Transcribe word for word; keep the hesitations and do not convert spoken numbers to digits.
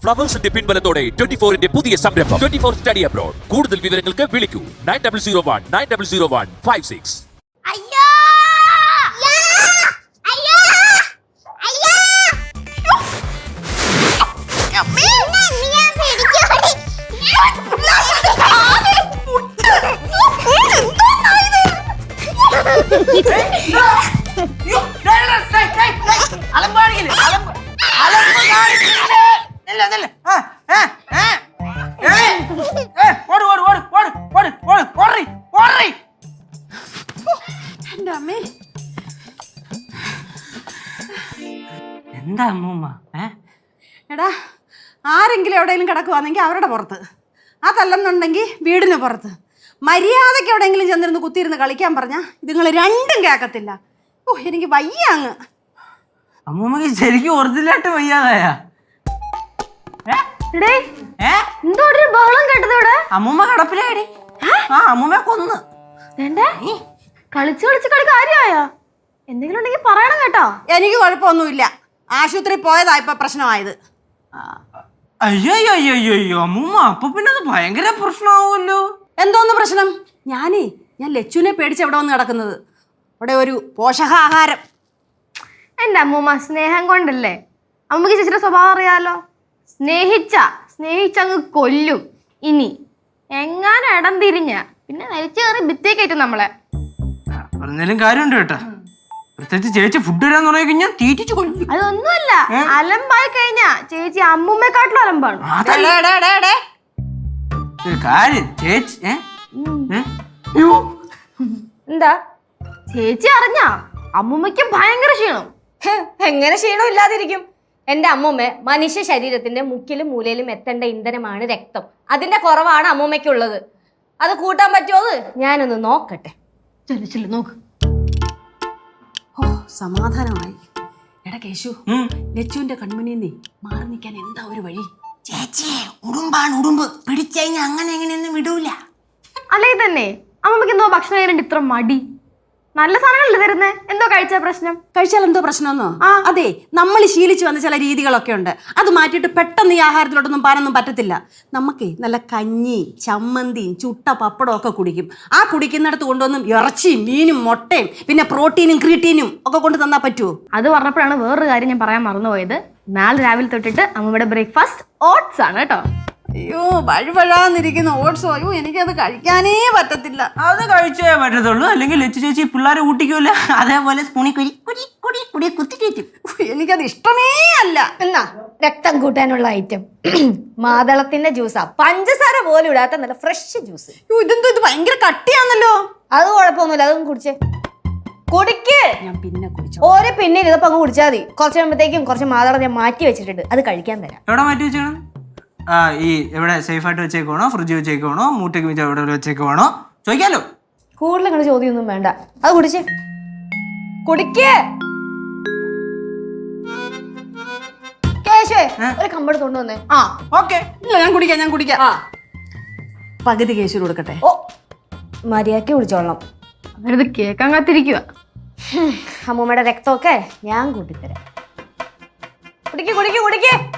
ഫ്ലവേഴ്സിന്റെ പിൻബലത്തോടെ twenty ഫോറിന്റെ പുതിയ സംരംഭം ട്വന്റി ഫോർ സ്റ്റഡി അബ്രോഡ്. കൂടുതൽ വിവരങ്ങൾക്ക് വിളിക്കൂ nine double zero one nine double zero one five six. എന്താ അമ്മൂമ്മ? എടാ, ആരെങ്കിലും എവിടെയെങ്കിലും കിടക്കുവാണെങ്കിൽ അവരുടെ പുറത്ത്, അതല്ലെന്നുണ്ടെങ്കിൽ വീടിന് പുറത്ത്. മര്യാദയ്ക്ക് എവിടെയെങ്കിലും ചെന്നിരുന്ന് കുത്തിയിരുന്ന് കളിക്കാൻ പറഞ്ഞാൽ ഇതുങ്ങൾ രണ്ടും കേൾക്കത്തില്ല. ഓ, എനിക്ക് വയ്യ അങ്ങ്. അമ്മൂമ്മക്ക് ശരിക്കും ഒറിജിനലായിട്ട് വയ്യാതായാ? അമ്മൂമ്മ കടപ്പിലായി. ആ അമ്മൂമ്മ കൊന്ന്. കളിച്ച് കളിച്ച് കളി കാര്യമായോ? എന്തെങ്കിലും ഉണ്ടെങ്കിൽ പറയണം കേട്ടോ. എനിക്ക് കുഴപ്പമൊന്നുമില്ല. ആശുപത്രി പോയതാ ഇപ്പൊ പ്രശ്നമായത്. അയ്യോ അയ്യോ അയ്യോ അയ്യോ അമ്മൂമ്മ, അപ്പൊ പിന്നെ അത് ഭയങ്കര പ്രശ്നമാവുമല്ലോ. എന്തോന്ന് പ്രശ്നം? ഞാനേ ഞാൻ ലച്ചുവിനെ പേടിച്ച് എവിടെ വന്ന് കിടക്കുന്നത്. അവിടെ ഒരു പോഷകാഹാരം. എൻ്റെ അമ്മൂമ്മ സ്നേഹം കൊണ്ടല്ലേ. അമ്മക്ക് ചേച്ചിയുടെ സ്വഭാവം അറിയാലോ. സ്നേഹിച്ച സ്നേഹിച്ചങ്ങ് കൊല്ലും. ഇനി എങ്ങാനും ഇടം തിരിഞ്ഞ പിന്നെ നരിച്ചു കയറി ഭിത്തി കയറ്റും നമ്മളെ. പറഞ്ഞാലും കാര്യമുണ്ട് കേട്ടാ. പ്രത്യേകിച്ച് ചേച്ചി ഫുഡ് തരാന്ന് പറഞ്ഞു കഴിഞ്ഞാൽ തീറ്റിച്ചു കൊല്ലും. അതൊന്നുമല്ല, അലമ്പായി കഴിഞ്ഞാ ചേച്ചി അമ്മൂമ്മയെക്കാട്ടിലും അലമ്പാണ്. കാര്യം ചേച്ചി എന്താ ചേച്ചി അറിഞ്ഞാ അമ്മൂമ്മയ്ക്ക് ഭയങ്കര ക്ഷീണം. എങ്ങനെ ക്ഷീണം ഇല്ലാതിരിക്കും? എന്റെ അമ്മൂമ്മ മനുഷ്യ ശരീരത്തിന്റെ മുക്കിലും മൂലയിലും എത്തേണ്ട ഇന്ധനമാണ് രക്തം. അതിന്റെ കുറവാണ് അമ്മൂമ്മയ്ക്കുള്ളത്. അത് കൂട്ടാൻ പറ്റുമോ? ഞാനൊന്ന് നോക്കട്ടെ. ചെല്ലു നോക്ക്. ഓ, സമാധാനമായി. എടാ കേശു, ലച്ചുവിന്റെ കൺമുന്നിൽ മാറി നിൽക്കാൻ എന്താ ഒരു വഴി? ചേച്ചി ഉടുമ്പാണ്, ഉടുമ്പ് പിടിച്ചു കഴിഞ്ഞാൽ അങ്ങനെ എങ്ങനെയൊന്നും വിടൂല. അല്ലെങ്കിൽ തന്നെ അമ്മമ്മക്ക് എന്തോ ഭക്ഷണം കഴിയാൻ ഇത്ര മടി. നല്ല സാധനങ്ങളല്ലേ തരുന്നേ. എന്തോ കഴിച്ച പ്രശ്നം? കഴിച്ചാൽ എന്തോ പ്രശ്നമെന്നോ? അതെ, നമ്മൾ ശീലിച്ചു വന്ന ചില രീതികളൊക്കെ ഉണ്ട്. അത് മാറ്റിയിട്ട് പെട്ടെന്ന് ഈ ആഹാരത്തിലോട്ടൊന്നും പാനൊന്നും പറ്റത്തില്ല. നമുക്കേ നല്ല കഞ്ഞി, ചമ്മന്തിയും ചുട്ട പപ്പടവും ഒക്കെ കുടിക്കും. ആ കുടിക്കുന്നിടത്ത് കൊണ്ടൊന്നും ഇറച്ചിയും മീനും മുട്ടയും പിന്നെ പ്രോട്ടീനും ക്രീറ്റീനും ഒക്കെ കൊണ്ട് തന്നാൽ പറ്റുമോ? അത് പറഞ്ഞപ്പോഴാണ് വേറൊരു കാര്യം ഞാൻ പറയാൻ മറന്നുപോയത്. നാളെ രാവിലെ തൊട്ടിട്ട് അമ്മയുടെ ബ്രേക്ക്ഫാസ്റ്റ് ഓട്സ് ആണ് കേട്ടോ. അയ്യോ, വഴുവഴാന്നിരിക്കുന്ന ഓട്സോ. അയ്യോ, എനിക്കത് കഴിക്കാനേ പറ്റത്തില്ല. അത് കഴിച്ചേ പറ്റത്തുള്ളൂ. അല്ലെങ്കിൽ ലച്ചു ചേച്ചി പിള്ളേരെ ഊട്ടിക്കൂല. അതേപോലെ സ്പൂണി കുരി കുരി കുടി കുടി കുത്തി കയറ്റും. എനിക്കത് ഇഷ്ടമേ അല്ല. എന്നാ രക്തം കൂട്ടാനുള്ള ഐറ്റം മാതളത്തിന്റെ ജ്യൂസാ. പഞ്ചസാര പോലും ഇടാത്ത നല്ല ഫ്രഷ് ജ്യൂസ്. ഇതെന്തോ ഇത് ഭയങ്കര കട്ടിയാന്നല്ലോ. അത് കുഴപ്പമൊന്നുമില്ല, അതൊന്നും കുടിച്ചേ. കുടിക്ക്. ഞാൻ പിന്നെ കുടിച്ചു. ഓരോ പിന്നെ ഇതപ്പോ അങ്ങ് കുടിച്ചാൽ മതി. കുറച്ച് കഴിയുമ്പോഴത്തേക്കും കുറച്ച് മാതളം ഞാൻ മാറ്റി വെച്ചിട്ടുണ്ട്, അത് കഴിക്കാൻ തരാം. എവിടെ മാറ്റി വെച്ചേക്കണം? ആ ഈ എവിടെ സേഫായിട്ട് വെച്ചേക്കണോ? ഫ്രിഡ്ജ് വെച്ചേക്കണോ? മൂട്ടയ്ക്ക് വെച്ചാൽ എവിടെ വെച്ചേക്കണോ ചോദിക്കാലോ. കൂടുതൽ ഇങ്ങനെ ചോദ്യമൊന്നും വേണ്ട, അത് കുടിച്ചേ. കുടിക്ക്. കേശുവേ ഒരു കമ്പട് കൊണ്ടുവന്നേ. ആ ഓക്കെ. ഇല്ല, ഞാൻ കുടിക്കാം ഞാൻ കുടിക്കാം. ആ പകുതി കേശു കൊടുക്കട്ടെ. ഓ, മര്യാദക്ക് കുടിച്ചോളണം. അവരത് കേൾക്കാൻ കാത്തിരിക്കുക. അമ്മൂമ്മയുടെ രക്തമൊക്കെ ഞാൻ കൂട്ടിത്തരാം. കുടിക്ക് കുടിക്ക് കുടിക്ക്.